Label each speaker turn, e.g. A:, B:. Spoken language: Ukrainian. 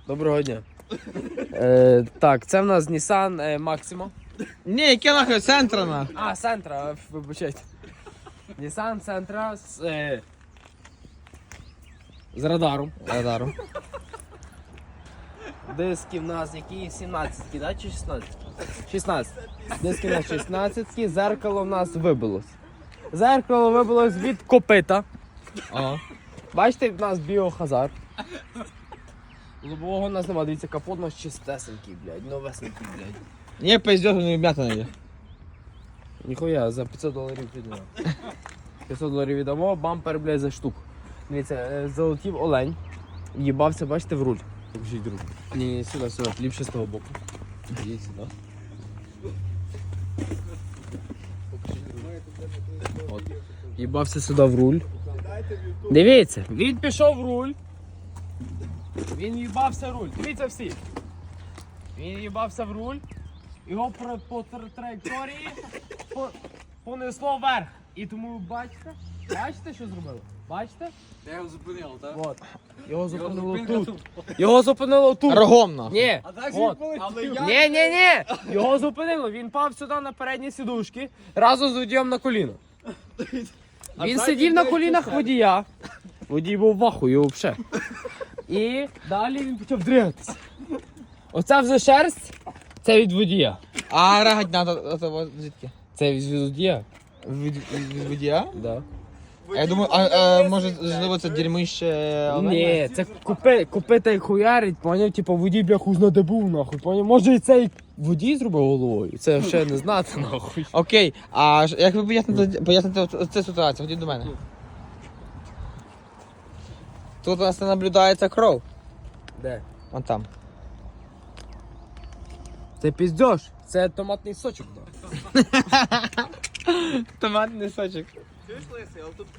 A: Доброго дня. Так, це в нас Nissan Maxima.
B: Ні, яке нахуй центра на.
A: А, Sentra, вибачайте. Nissan Sentra з радаром.
B: Радаром.
A: Диски в нас які 17, да, чи 16? 16. Диски в нас 16, зеркало в нас вибилось. Зеркало вибилось від копита.
B: Ага.
A: Бачите, в нас біохазар. Лобового у нас немає, дивіться, капот у нас чистесенький, блядь, новесенький, блядь.
B: Ні, пиздеж, не вм'ята є.
A: Ніхуя, за $500 віддамо. $500 віддамо, бампер, блядь, за штуку. Дивіться, залетів олень, їбався, бачите, в руль. Покажіть руль. Ні, сюди, ліпше з того боку. Ідіть сюди. От. Їбався сюди в руль. Дивіться, він пішов в руль. Він їбався в руль. Дивіться всі. Він їбався в руль. Його по траєкторії понесло вверх. І тому бачите, що зробили? Бачите?
C: Я його зупинив, так?
A: От. Його зупинило тут. Його зупинило тут.
B: Рогом нахуй.
A: Ні.
C: А так
A: От.
C: але я...
A: Ні. Його зупинило. Він пав сюди на передні сідушки разом з водієм на коліно. Він сидів на колінах водія. Водій був в ахуї взагалі. І далі він почав дригатися. Оця вже шерсть, це від водія.
B: А рагать звідки?
A: Це від водія?
B: Від водія?
A: Да.
B: А я думаю, може, можливо, це дерьмище оленя?
A: Ні, це купити як хуярить, поняв, типу водій бляху знаде був нахуй, поняв. Може і цей водій зробив головою, це ще не знати нахуй.
B: Окей, а як ви поясните цю ситуацію? Ходіть до мене. Тут у нас не наблюдається кров.
A: Де?
B: Вон там.
A: Це піздьош, це томатний сочок.
B: Томатний сочок.
C: Чуєш, Лисий, але тут